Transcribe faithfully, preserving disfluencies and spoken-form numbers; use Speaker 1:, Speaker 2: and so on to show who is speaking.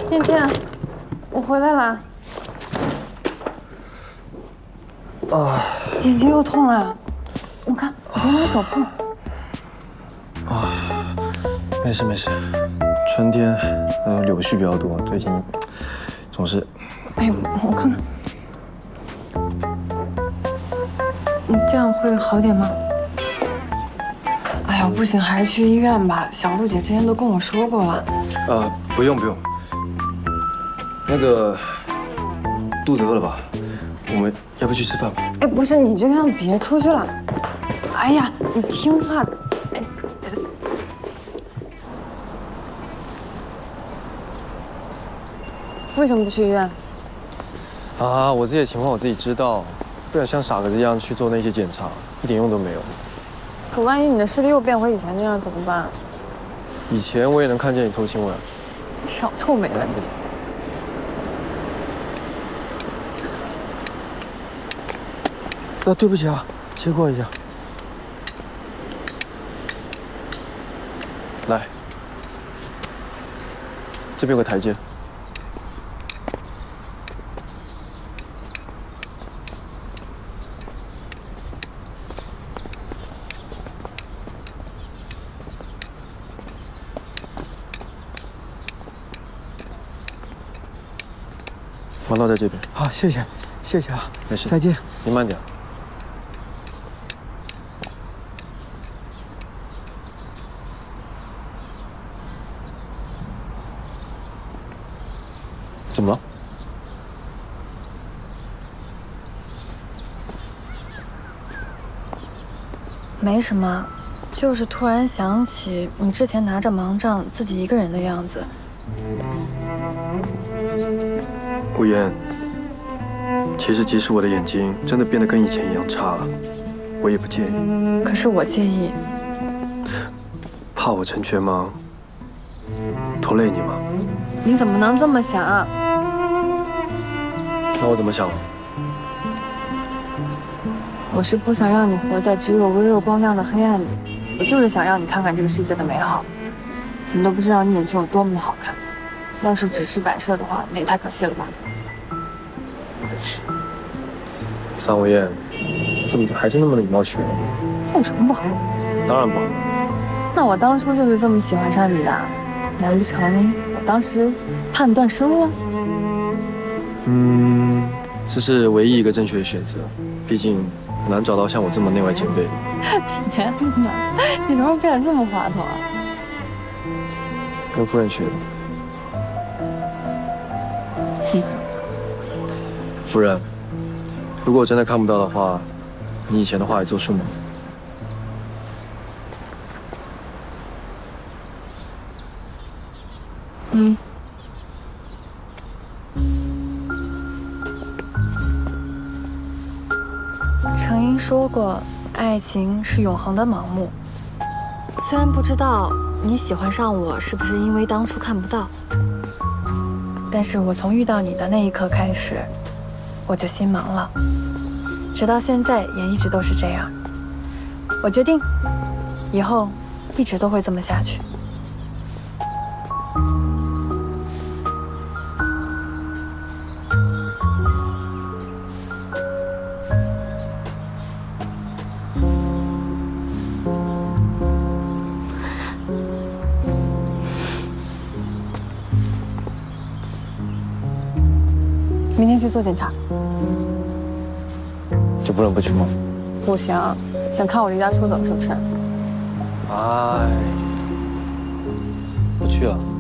Speaker 1: 燕倩，我回来了。
Speaker 2: 啊，
Speaker 1: 眼睛又痛了，我看你别拿手碰。
Speaker 2: 啊，没事没事，春天呃柳絮比较多，最近总是……
Speaker 1: 哎呦，我看看，你这样会好点吗？哎呀，不行，还是去医院吧。小璐姐之前都跟我说过了。
Speaker 2: 呃，不用不用。那个肚子饿了吧？我们要不要去吃饭吧？
Speaker 1: 哎，不是，你这样别出去了。哎呀，你听话。哎，为什么不去医院？
Speaker 2: 啊，我自己的情况我自己知道，不想像傻子一样去做那些检查，一点用都没有。
Speaker 1: 可万一你的视力又变回以前那样怎么办？
Speaker 2: 以前我也能看见你偷亲我呀。
Speaker 1: 少臭美了你！
Speaker 3: 啊，对不起啊，切过一下。
Speaker 2: 来，这边有个台阶。王道在这边。
Speaker 3: 好，谢谢，谢谢啊，
Speaker 2: 没事，
Speaker 3: 再见。
Speaker 2: 你慢点。怎么了？
Speaker 1: 没什么，就是突然想起你之前拿着盲杖自己一个人的样子。
Speaker 2: 顾言，其实即使我的眼睛真的变得跟以前一样差了，我也不介意。
Speaker 1: 可是我介意。
Speaker 2: 怕我成全盲，拖累你吗？
Speaker 1: 你怎么能这么想啊？
Speaker 2: 那我怎么想？
Speaker 1: 我是不想让你活在只有微弱光亮的黑暗里，我就是想让你看看这个世界的美好。你都不知道你眼睛有多么的好看，要是只是摆设的话，那也太可惜了吧。
Speaker 2: 桑无厌，怎么还是那么的以貌取人？
Speaker 1: 有什么不好？
Speaker 2: 当然不好。
Speaker 1: 那我当初就是这么喜欢上你的，难不成我当时判断失误了？
Speaker 2: 嗯，这是唯一一个正确的选择，毕竟很难找到像我这么内外兼备的。
Speaker 1: 天哪，你什么时候变得这么滑头啊？
Speaker 2: 跟夫人学的。
Speaker 1: 嗯。
Speaker 2: 夫人，如果我真的看不到的话，你以前的话还作数吗？
Speaker 1: 嗯。程英说过，爱情是永恒的盲目。虽然不知道你喜欢上我是不是因为当初看不到，但是我从遇到你的那一刻开始，我就心盲了，直到现在也一直都是这样。我决定，以后一直都会这么下去。明天去做检查，
Speaker 2: 就不能不去吗？
Speaker 1: 不行，想看我离家出走是不是？
Speaker 2: 哎，不去了。